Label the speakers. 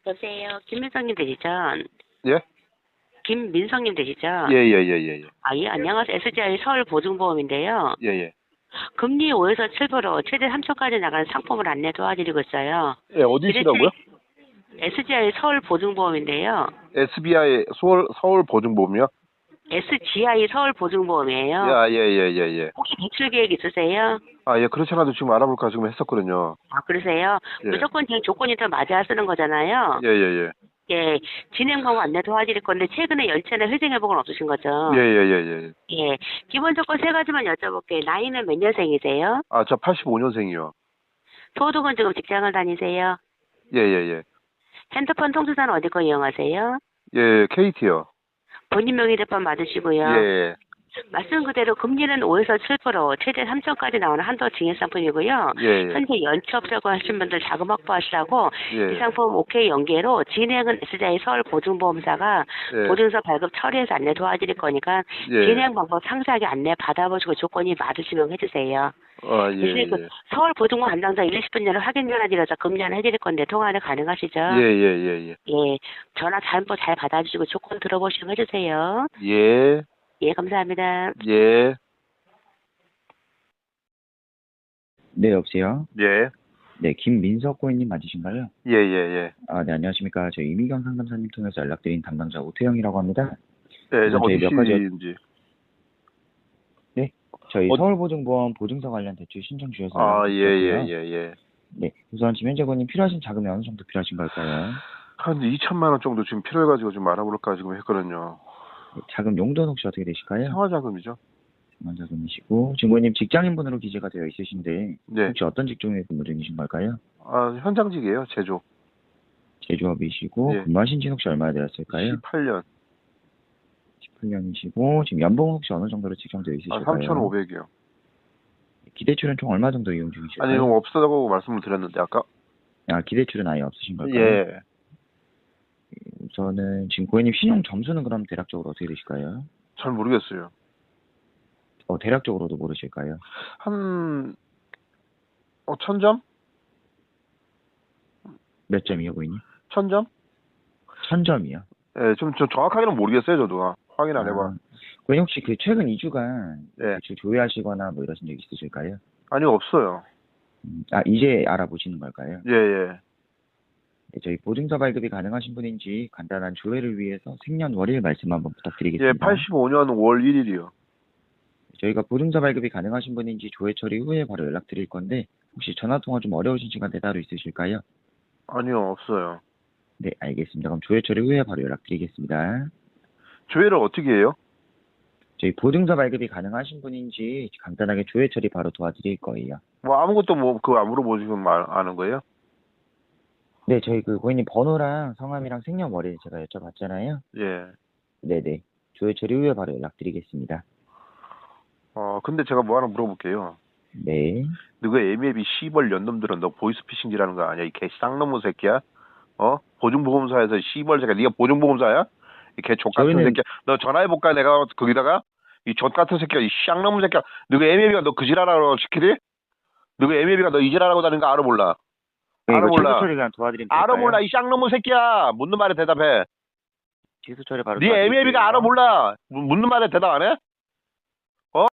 Speaker 1: 여보세요. 김민성님 되시죠?
Speaker 2: 예?
Speaker 1: 김민성님 되시죠?
Speaker 2: 예, 예, 예, 예, 예.
Speaker 1: 아, 예, 안녕하세요. SGI 서울보증보험인데요.
Speaker 2: 예, 예.
Speaker 1: 금리 5에서 7% 최대 3천까지 나가는 상품을 안내 도와드리고 있어요.
Speaker 2: 예, 어디시라고요?
Speaker 1: SGI 서울보증보험인데요.
Speaker 2: SBI 서울 보증보험이요?
Speaker 1: SGI 서울보증보험이에요.
Speaker 2: 야, 예, 예, 예, 예.
Speaker 1: 혹시 대출 계획 있으세요?
Speaker 2: 아, 예, 그렇지 않아도 지금 알아볼까 지금 했었거든요.
Speaker 1: 아, 그러세요?
Speaker 2: 예.
Speaker 1: 무조건 지금 조건이 더 맞아야 쓰는 거잖아요.
Speaker 2: 예, 예, 예.
Speaker 1: 예, 진행 방법 안내 도와드릴 건데 최근에 열차나 회생 회복은 없으신 거죠?
Speaker 2: 예, 예, 예, 예.
Speaker 1: 예, 기본 조건 세 가지만 여쭤볼게요. 나이는 몇 년생이세요?
Speaker 2: 아, 저 85년생이요.
Speaker 1: 소득은 지금 직장을 다니세요?
Speaker 2: 예, 예, 예.
Speaker 1: 핸드폰 통신사는 어디 거 이용하세요?
Speaker 2: 예, KT요.
Speaker 1: 본인 명의 휴대폰 맞으시고요.
Speaker 2: 예,
Speaker 1: 말씀 그대로 금리는 5에서 7%, 최대 3천까지 나오는 한도 증액 상품이고요.
Speaker 2: 예, 예.
Speaker 1: 현재 연체 없다고 하신 분들 자금 확보하시라고
Speaker 2: 예.
Speaker 1: 이 상품 OK 연계로 진행은 SGI 서울보증보험사가
Speaker 2: 예.
Speaker 1: 보증서 발급 처리해서 안내 도와드릴 거니까
Speaker 2: 예.
Speaker 1: 진행 방법 상세하게 안내 받아보시고 조건이 맞으시면 해주세요.
Speaker 2: 아, 예,
Speaker 1: 대신에 그
Speaker 2: 예.
Speaker 1: 서울보증보험 담당자 1, 20분 전에 확인 전화 드려서 금리 안내 해드릴 건데 통화는 가능하시죠?
Speaker 2: 예, 예, 예, 예.
Speaker 1: 예, 전화 잘못 잘 받아주시고 조건 들어보시고 해주세요.
Speaker 2: 예,
Speaker 1: 예, 감사합니다.
Speaker 2: 예,
Speaker 3: 네, 여보세요?
Speaker 2: 예,
Speaker 3: 네, 김민석 고객님 맞으신가요?
Speaker 2: 예, 예, 예.
Speaker 3: 아, 네, 안녕하십니까. 저희 이미경 상담사님 통해서 연락드린 담당자 오태영이라고 합니다.
Speaker 2: 예, 저
Speaker 3: 저희 몇 가지
Speaker 2: 어디신지.
Speaker 3: 네, 저희
Speaker 2: 어-
Speaker 3: 서울보증보험 보증서 관련 대출 신청 주셔서
Speaker 2: 아, 예, 예,
Speaker 3: 연락드렸고요.
Speaker 2: 예, 예.
Speaker 3: 네, 우선 지면제 고객님 필요하신 자금이 어느 정도 필요하신 걸까요?
Speaker 2: 한 2천만 원 정도 지금 필요해가지고 지금 알아볼까 지금 했거든요.
Speaker 3: 네, 자금 용도는 혹시 어떻게 되실까요?
Speaker 2: 생활자금이죠.
Speaker 3: 자금이시고 지금 고객님 직장인분으로 기재가 되어 있으신데
Speaker 2: 네.
Speaker 3: 혹시 어떤 직종에 근무 중이신 걸까요?
Speaker 2: 아, 현장직이에요, 제조.
Speaker 3: 제조업이시고
Speaker 2: 예.
Speaker 3: 근무하신 지는 혹시 얼마나 되었을까요?
Speaker 2: 18년.
Speaker 3: 18년이시고 지금 연봉은 혹시 어느 정도로 책정되어
Speaker 2: 아,
Speaker 3: 있으실까요?
Speaker 2: 3,500이요.
Speaker 3: 기대출은 총 얼마 정도 이용 중이실까요?
Speaker 2: 아니, 이거 없어다고 말씀을 드렸는데, 아까?
Speaker 3: 아, 기대출은 아예 없으신 걸까요?
Speaker 2: 예.
Speaker 3: 저는 지금 고객님 신용 점수는 그럼 대략적으로 어떻게 되실까요?
Speaker 2: 잘 모르겠어요.
Speaker 3: 대략적으로도 모르실까요?
Speaker 2: 한, 1,000점?
Speaker 3: 몇 점이요, 고객님?
Speaker 2: 1,000점?
Speaker 3: 1000점이요.
Speaker 2: 예, 좀 정확하게는 모르겠어요, 저도. 확인 안 해봐.
Speaker 3: 고객님 혹시 그 최근 2주간
Speaker 2: 예.
Speaker 3: 대출 조회하시거나 뭐 이러신 적 있으실까요?
Speaker 2: 아니, 없어요.
Speaker 3: 이제 알아보시는 걸까요?
Speaker 2: 예, 예.
Speaker 3: 네, 저희 보증서 발급이 가능하신 분인지 간단한 조회를 위해서 생년월일 말씀 한번 부탁드리겠습니다.
Speaker 2: 예, 85년 5월 1일이요.
Speaker 3: 저희가 보증서 발급이 가능하신 분인지 조회 처리 후에 바로 연락드릴 건데 혹시 전화통화 좀 어려우신 시간대 따로 있으실까요?
Speaker 2: 아니요, 없어요.
Speaker 3: 네, 알겠습니다. 그럼 조회 처리 후에 바로 연락드리겠습니다.
Speaker 2: 조회를 어떻게 해요?
Speaker 3: 저희 보증서 발급이 가능하신 분인지 간단하게 조회 처리 바로 도와드릴 거예요.
Speaker 2: 뭐, 아무것도 뭐, 그거 안 물어보고 지금 아는 거예요?
Speaker 3: 네, 저희 그 고객님 번호랑 성함이랑 생년월일 제가 여쭤봤잖아요.
Speaker 2: 예.
Speaker 3: 네네. 조회 처리 후에 바로 연락드리겠습니다.
Speaker 2: 근데 제가 뭐 하나 물어볼게요.
Speaker 3: 네.
Speaker 2: 너가 애매비 시벌 연놈들은 너 보이스피싱이라는 거 아니야? 이 개 쌍놈의 새끼야? 보증보험사에서 시벌 새끼야. 네가 보증보험사야? 이 개 족같은
Speaker 3: 저희는-
Speaker 2: 새끼야. 너 전화해볼까? 내가 거기다가? 이 족같은 새끼야. 이 쌍놈의 새끼야. 너가 애매비가 너 그 지랄하라고 시키리? 너가 애매비가 너 이 지랄하고 다니는 거 알아 몰라?
Speaker 3: 네,
Speaker 2: 알아
Speaker 3: 이거
Speaker 2: 몰라?
Speaker 3: 취소 처리 그냥 도와드리면
Speaker 2: 알아
Speaker 3: 될까요?
Speaker 2: 몰라? 이 쌍놈의 새끼야. 묻는 말에 대답해.
Speaker 3: 취소 처리 바로
Speaker 2: 네
Speaker 3: 도와드릴게요.
Speaker 2: 애매비가 알아 몰라? 묻는 말에 대답 안 해?